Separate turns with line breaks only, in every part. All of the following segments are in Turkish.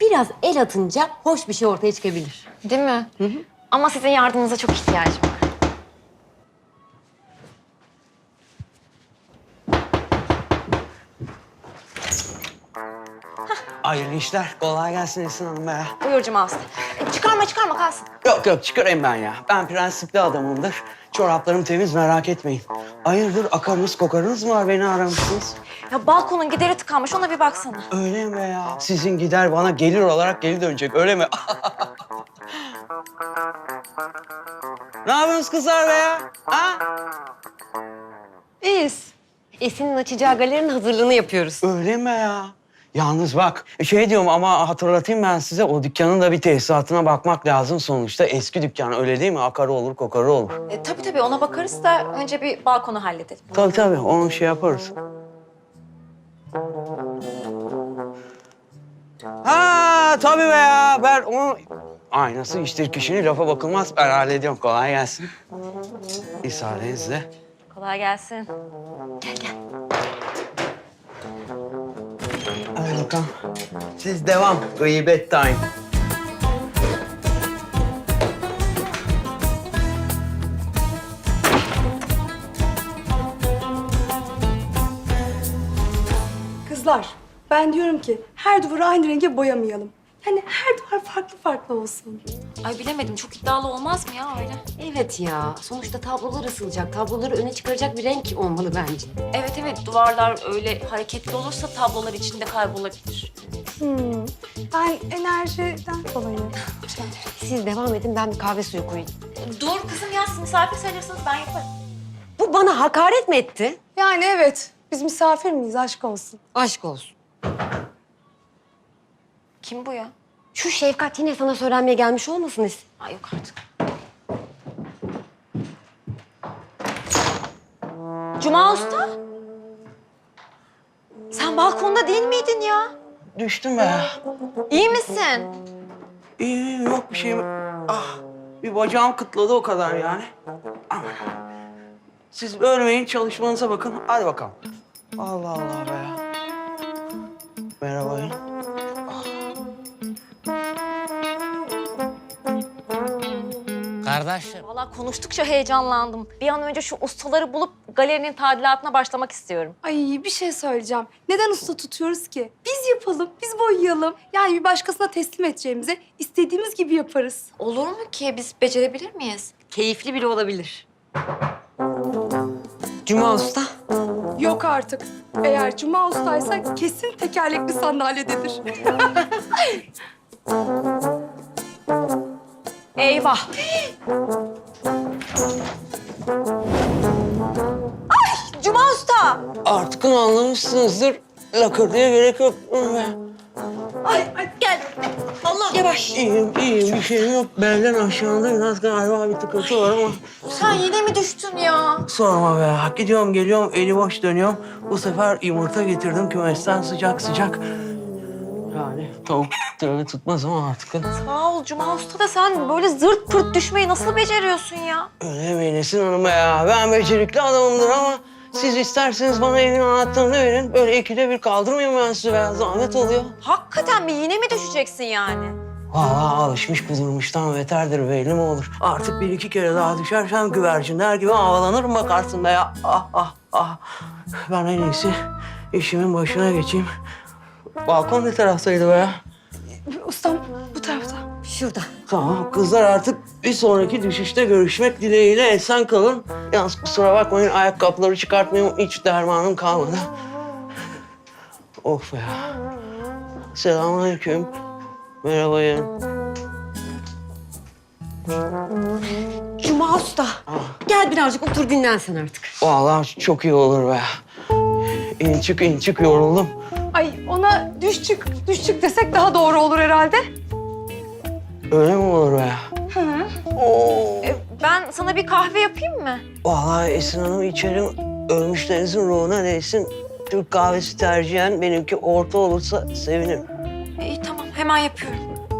Biraz el atınca hoş bir şey ortaya çıkabilir.
Değil mi? Hı hı. Ama sizin yardımınıza çok ihtiyacım var.
Hayırlı işler. Kolay gelsin Esin Hanım be.
Buyur Cuma Usta. Çıkarma kalsın.
Yok çıkarayım ben ya. Ben prensipli adamımdır. Çoraplarım temiz merak etmeyin. Hayırdır akarınız kokarınız mı var beni aramışsınız?
Ya balkonun gideri tıkanmış, ona bir baksana.
Öyle mi ya? Sizin gider bana gelir olarak geri dönecek öyle mi? Ne yapıyorsunuz kızlar be ya? Ha?
İyiyiz. Esin'in açacağı galerinin hazırlığını yapıyoruz.
Öyle mi ya? Yalnız bak şey diyorum ama hatırlatayım ben size o dükkanın da bir tesisatına bakmak lazım sonuçta. Eski dükkan öyle değil mi? Akarı olur kokarı olur.
Tabii ona bakarız da önce bir balkonu halledelim.
Tabii onu şey yaparız. Ha tabii be ya ben onu... Aynası iştir kişinin lafa bakılmaz ben hallediyorum kolay gelsin. İsaadenizle.
Kolay gelsin.
Hadi bakalım. Siz devam. Gıybet time.
Kızlar, ben diyorum ki her duvarı aynı renge boyamayalım. Yani her duvar farklı farklı olsun.
Ay bilemedim, çok iddialı olmaz mı ya öyle?
Evet ya. Sonuçta tablolar ısılacak. Tabloları öne çıkaracak bir renk olmalı bence.
Evet, duvarlar öyle hareketli olursa tablolar içinde kaybolabilir.
Ben enerjiden dolayı.
Siz devam edin, ben bir kahve suyu koyayım.
Dur kızım ya, siz misafir sayılırsınız, ben yaparım.
Bu bana hakaret mi etti?
Yani evet, biz misafir miyiz? Aşk olsun.
Aşk olsun.
Kim bu ya?
Şu Şefkat yine sana söylenmeye gelmiş olmasın Esin?
Ay yok artık. Cuma Usta? Sen balkonda değil miydin ya?
Düştüm be.
İyi misin?
İyi yok bir şey. Ah bir bacağım kıtladı o kadar yani. Aman. Siz ölmeyin çalışmanıza bakın. Hadi bakalım. Allah Allah be. Merhaba.
Kardeşim.
Vallahi konuştukça heyecanlandım. Bir an önce şu ustaları bulup galerinin tadilatına başlamak istiyorum.
Ay bir şey söyleyeceğim. Neden usta tutuyoruz ki? Biz yapalım, biz boyayalım. Yani bir başkasına teslim edeceğimize istediğimiz gibi yaparız.
Olur mu ki? Biz becerebilir miyiz?
Keyifli bile olabilir. Cuma Usta.
Yok artık. Eğer Cuma ustaysa kesin tekerlekli sandalyededir.
Eyvah! Ay Cuma Usta!
Artık anlamışsınızdır. Lakırdıya gerek yok.
Ay
Gel. Allah! Yavaş.
İyiyim bir şeyim yok. Belden aşağıda biraz galiba bir tıkıntı var ama.
Sen yine mi düştün ya?
Sorma be. Gidiyorum geliyorum eli boş dönüyorum. Bu sefer yumurta getirdim kümesten sıcak. Yani tavuk tabii tutmaz ama artık.
Sağ ol Cuma Usta da sen böyle zırt pırt düşmeyi nasıl beceriyorsun ya?
Öyle demeyin Esin Hanım ya. Ben becerikli adamımdır ama siz isterseniz bana evin anahtarını verin. Böyle ikide bir kaldırmayayım ben sizi be. Zahmet oluyor.
Hakikaten mi? Yine mi düşeceksin yani?
Vallahi alışmış kudurmuştan beterdir belli mi olur. Artık bir iki kere daha düşersem güvercinler gibi havalanırım bakarsın be ya. Ah. Ben en iyisi işimin başına geçeyim. Balkon ne taraftaydı be ya?
Ustam bu tarafta.
Şurada.
Tamam kızlar artık bir sonraki düşüşte görüşmek dileğiyle esen kalın. Yalnız kusura bakmayın ayakkabıları çıkartmayayım hiç dermanım kalmadı. Of ya. Selamünaleyküm. Merhaba ya.
Cuma Usta. Gel birazcık otur dinlen sen artık.
Vallahi çok iyi olur be. İn çık yoruldum.
Ay ona düş çık desek daha doğru olur herhalde.
Öyle mi olur be? Oo.
Ben sana bir kahve yapayım mı?
Vallahi Esin Hanım içerim. Ölmüşlerinizin ruhuna değsin. Türk kahvesi tercihen benimki orta olursa sevinirim.
İyi tamam, hemen yapıyorum.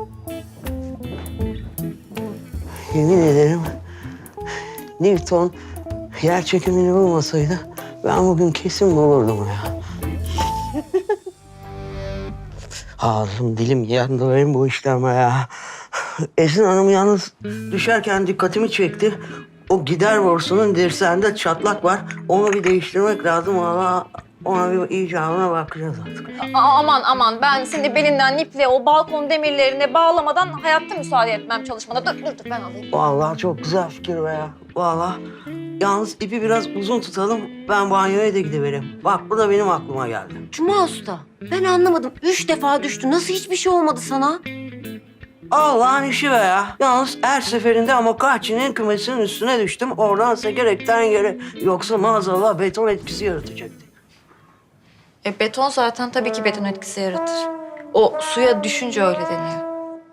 Yemin ederim Newton yer çekimini bulmasaydı ben bugün kesin bulurdum ya. Ağzım dilim yandı benim bu işleme ya. Esin Hanım yalnız düşerken dikkatimi çekti. O gider borusunun dirseğinde çatlak var. Onu bir değiştirmek lazım ama ona bir icabına bakacağız artık.
Aman ben seni belinden iple o balkon demirlerine bağlamadan hayatta müsaade etmem çalışmana. Dur ben alayım.
Vallahi çok güzel fikir be ya. Vallahi. Yalnız ipi biraz uzun tutalım. Ben banyoya da gidivereyim. Bak bu da benim aklıma geldi.
Cuma Usta, ben anlamadım. 3 defa düştü. Nasıl hiçbir şey olmadı sana?
Allah'ın işi be ya. Yalnız her seferinde Amokachi'nin kümesinin üstüne düştüm. Oradan sekerekten yere. Yoksa maazallah beton etkisi yaratacaktı.
Beton zaten tabii ki beton etkisi yaratır. O suya düşünce öyle deniyor.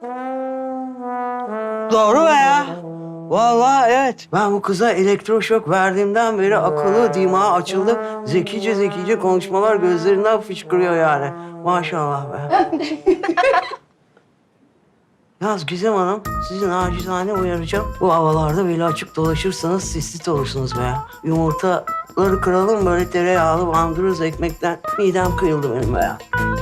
Doğru be ya. Vallahi evet. Ben bu kıza elektroşok verdiğimden beri akıllı, dimağı açıldı. Zekice konuşmalar gözlerinden fışkırıyor yani. Maşallah be. Yalnız Gizem Hanım, sizi nacizane uyaracağım. Bu havalarda böyle açık dolaşırsanız sistit olursunuz be ya. Yumurtaları kıralım böyle tereyağlı bandırırız ekmekten. Midem kıyıldı benim be ya.